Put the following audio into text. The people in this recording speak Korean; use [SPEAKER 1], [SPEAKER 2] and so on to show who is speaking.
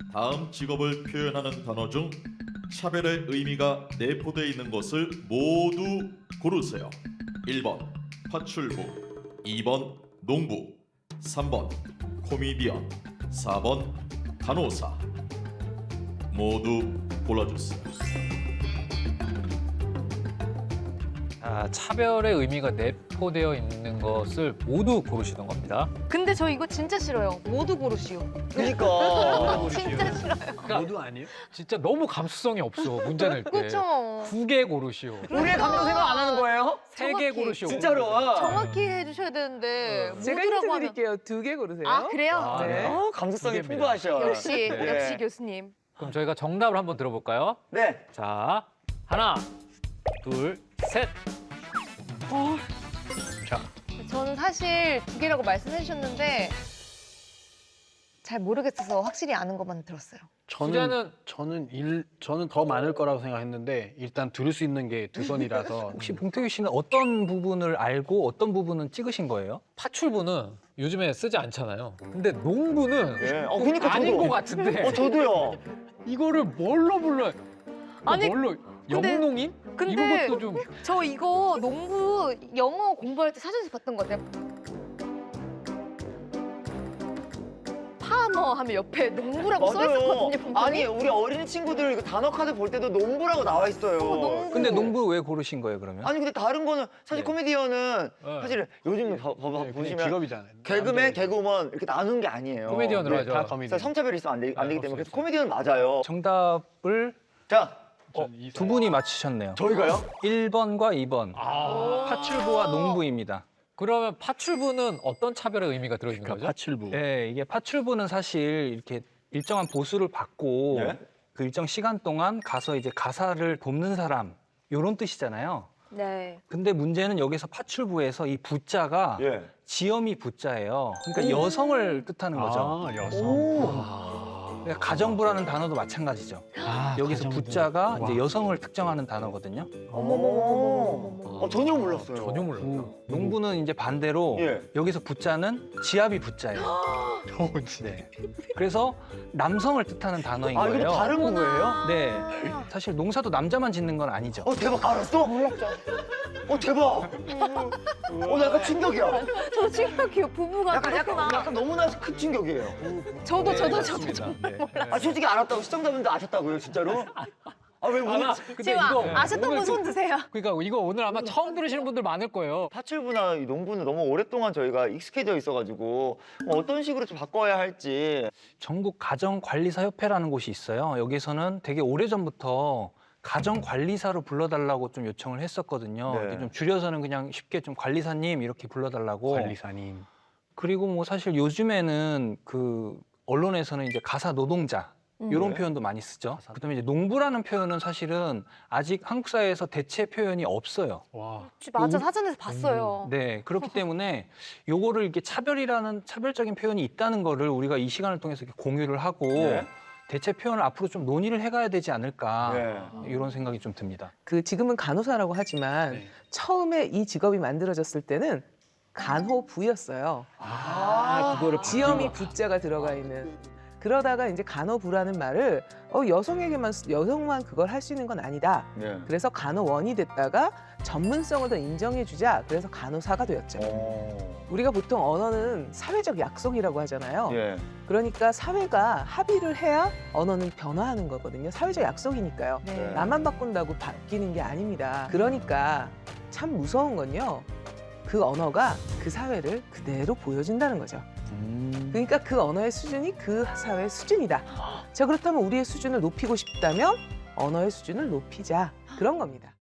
[SPEAKER 1] 다음 직업을 표현하는 단어 중 차별의 의미가 내포되어 있는 것을 모두 고르세요. 1번 파출부, 2번 농부, 3번 코미디언, 4번 간호사. 모두 골라주세요.
[SPEAKER 2] 차별의 의미가 내포되어 있는 것을 모두 고르시는 겁니다.
[SPEAKER 3] 근데 저 이거 진짜 싫어요. 모두 고르시오.
[SPEAKER 4] 그러니까.
[SPEAKER 3] 진짜 싫어요.
[SPEAKER 5] 모두 아니에요?
[SPEAKER 2] 진짜 너무 감수성이 없어, 문제 낼 때.
[SPEAKER 3] 그렇죠.
[SPEAKER 2] 2개 고르시오.
[SPEAKER 4] 우리의 감정 생각 안 하는 거예요?
[SPEAKER 2] 3개
[SPEAKER 3] 정확히.
[SPEAKER 2] 고르시오.
[SPEAKER 4] 진짜로.
[SPEAKER 3] 정확히 해주셔야 되는데
[SPEAKER 6] 제가 힌트
[SPEAKER 3] 모두라고 하면
[SPEAKER 6] 드릴게요. 2개 고르세요.
[SPEAKER 3] 아 그래요?
[SPEAKER 2] 아, 네.
[SPEAKER 4] 감수성이
[SPEAKER 2] 두 개입니다.
[SPEAKER 4] 풍부하셔.
[SPEAKER 3] 역시
[SPEAKER 4] 네.
[SPEAKER 3] 역시 교수님.
[SPEAKER 2] 그럼 저희가 정답을 한번 들어볼까요?
[SPEAKER 4] 네.
[SPEAKER 2] 자, 하나, 둘, 셋.
[SPEAKER 3] 저는 사실 2개라고 말씀해 주셨는데 잘 모르겠어서 확실히 아는 것만 들었어요.
[SPEAKER 5] 저는 더 많을 거라고 생각했는데 일단 들을 수 있는 게 2번이라서
[SPEAKER 7] 혹시 봉태규 씨는 어떤 부분을 알고 어떤 부분은 찍으신 거예요?
[SPEAKER 2] 파출부는 요즘에 쓰지 않잖아요. 근데 농부는
[SPEAKER 4] 네. 그러니까
[SPEAKER 2] 아닌
[SPEAKER 4] 저도.
[SPEAKER 2] 것 같은데
[SPEAKER 4] 저도요.
[SPEAKER 2] 이거를 뭘로 불러요?
[SPEAKER 3] 아니,
[SPEAKER 2] 뭘로?
[SPEAKER 3] 근데-
[SPEAKER 2] 영농인?
[SPEAKER 3] 근데
[SPEAKER 2] 이런 것도 좀
[SPEAKER 3] 저 이거 농부 영어 공부할 때 사전에서 봤던 것 같아요. 파머 하면 옆에 농부라고 써 있었거든요. 분명히.
[SPEAKER 4] 아니 우리 어린 친구들 이거 단어 카드 볼 때도 농부라고 나와 있어요.
[SPEAKER 3] 농부.
[SPEAKER 7] 근데 농부 왜 고르신 거예요, 그러면?
[SPEAKER 4] 아니 근데 다른 거는 사실
[SPEAKER 7] 네.
[SPEAKER 4] 코미디언은
[SPEAKER 2] 네.
[SPEAKER 4] 사실 요즘
[SPEAKER 5] 그냥
[SPEAKER 4] 보시면
[SPEAKER 5] 직업이잖아요.
[SPEAKER 4] 개그맨, 개그우먼 이렇게 나누는 게 아니에요.
[SPEAKER 2] 코미디언으로
[SPEAKER 4] 네,
[SPEAKER 2] 하죠.
[SPEAKER 5] 다 거미디.
[SPEAKER 4] 그래서 성차별이 있으면 안 되기 때문에
[SPEAKER 2] 없어요.
[SPEAKER 4] 그래서 코미디언 맞아요.
[SPEAKER 7] 정답을
[SPEAKER 4] 자,
[SPEAKER 7] 두 분이 맞히셨네요.
[SPEAKER 4] 저희가요?
[SPEAKER 7] 1번과 2번.
[SPEAKER 2] 아.
[SPEAKER 7] 파출부와 농부입니다.
[SPEAKER 2] 그러면 파출부는 어떤 차별의 의미가 들어있는
[SPEAKER 5] 그러니까
[SPEAKER 2] 거죠?
[SPEAKER 5] 파출부.
[SPEAKER 7] 네, 이게 파출부는 사실 이렇게 일정한 보수를 받고
[SPEAKER 4] 예?
[SPEAKER 7] 그 일정 시간 동안 가서 이제 가사를 돕는 사람 이런 뜻이잖아요.
[SPEAKER 3] 네.
[SPEAKER 7] 근데 문제는 여기서 파출부에서 이 부자가
[SPEAKER 4] 예.
[SPEAKER 7] 지엄이 부자예요. 그러니까 여성을 뜻하는 거죠.
[SPEAKER 5] 아, 여성.
[SPEAKER 7] 그러니까 가정부라는 단어도 마찬가지죠. 여기서
[SPEAKER 5] 가정부.
[SPEAKER 7] 부자가 이제
[SPEAKER 5] 와.
[SPEAKER 7] 여성을 특정하는 단어거든요.
[SPEAKER 4] 어머머머머머머. 전혀 몰랐어요.
[SPEAKER 2] 전혀 몰라요.
[SPEAKER 7] 농부는 이제 반대로
[SPEAKER 4] 예.
[SPEAKER 7] 여기서 부자는 지압이 부자예요. 네. 그래서 남성을 뜻하는 단어인
[SPEAKER 4] 아
[SPEAKER 7] 거예요.
[SPEAKER 4] 이거 다른 거예요?
[SPEAKER 7] 네. 사실 농사도 남자만 짓는 건 아니죠.
[SPEAKER 4] 대박 알았어? 몰랐죠. 대박. 나 약간 충격이야.
[SPEAKER 3] 저 충격이요. 부부가 그렇구나.
[SPEAKER 4] 약간 너무나 큰 충격이에요.
[SPEAKER 3] 저도
[SPEAKER 7] 맞습니다. 네.
[SPEAKER 4] 솔직히 알았다고 시청자분들 아셨다고요, 진짜로? 왜 우리
[SPEAKER 2] 근데
[SPEAKER 3] 지금
[SPEAKER 2] 이거
[SPEAKER 3] 아셨던
[SPEAKER 2] 오늘
[SPEAKER 3] 분 손 드세요.
[SPEAKER 2] 그러니까 이거 오늘 아마 처음 들으시는 분들 많을 거예요.
[SPEAKER 4] 파출부나 이 농부는 너무 오랫동안 저희가 익숙해져 있어가지고 어떤 식으로 좀 바꿔야 할지.
[SPEAKER 7] 전국 가정관리사 협회라는 곳이 있어요. 여기서는 되게 오래전부터 가정관리사로 불러달라고 좀 요청을 했었거든요.
[SPEAKER 4] 네.
[SPEAKER 7] 근데 좀 줄여서는 그냥 쉽게 좀 관리사님 이렇게 불러달라고.
[SPEAKER 5] 관리사님.
[SPEAKER 7] 그리고 뭐 사실 요즘에는 그 언론에서는 이제 가사 노동자 이런
[SPEAKER 4] 네.
[SPEAKER 7] 표현도 많이 쓰죠. 그다음에 이제 농부라는 표현은 사실은 아직 한국 사회에서 대체 표현이 없어요.
[SPEAKER 5] 와.
[SPEAKER 3] 맞아, 사전에서 봤어요.
[SPEAKER 7] 네, 그렇기 때문에 요거를 이렇게 차별이라는 차별적인 표현이 있다는 거를 우리가 이 시간을 통해서 이렇게 공유를 하고
[SPEAKER 4] 네.
[SPEAKER 7] 대체 표현을 앞으로 좀 논의를 해가야 되지 않을까
[SPEAKER 4] 네.
[SPEAKER 7] 이런 생각이 좀 듭니다.
[SPEAKER 6] 그 지금은 간호사라고 하지만
[SPEAKER 5] 네.
[SPEAKER 6] 처음에 이 직업이 만들어졌을 때는 간호부였어요.
[SPEAKER 5] 그거를
[SPEAKER 6] 지엄이 부자가 들어가 있는. 그러다가 이제 간호부라는 말을 여성만 그걸 할 수 있는 건 아니다.
[SPEAKER 4] 네.
[SPEAKER 6] 그래서 간호원이 됐다가 전문성을 더 인정해주자. 그래서 간호사가 되었죠. 우리가 보통 언어는 사회적 약속이라고 하잖아요.
[SPEAKER 4] 예.
[SPEAKER 6] 그러니까 사회가 합의를 해야 언어는 변화하는 거거든요. 사회적 약속이니까요.
[SPEAKER 3] 네.
[SPEAKER 6] 나만 바꾼다고 바뀌는 게 아닙니다. 그러니까 참 무서운 건요. 그 언어가 그 사회를 그대로 보여준다는 거죠. 그러니까 그 언어의 수준이 그 사회의 수준이다. 자, 그렇다면 우리의 수준을 높이고 싶다면 언어의 수준을 높이자. 그런 겁니다.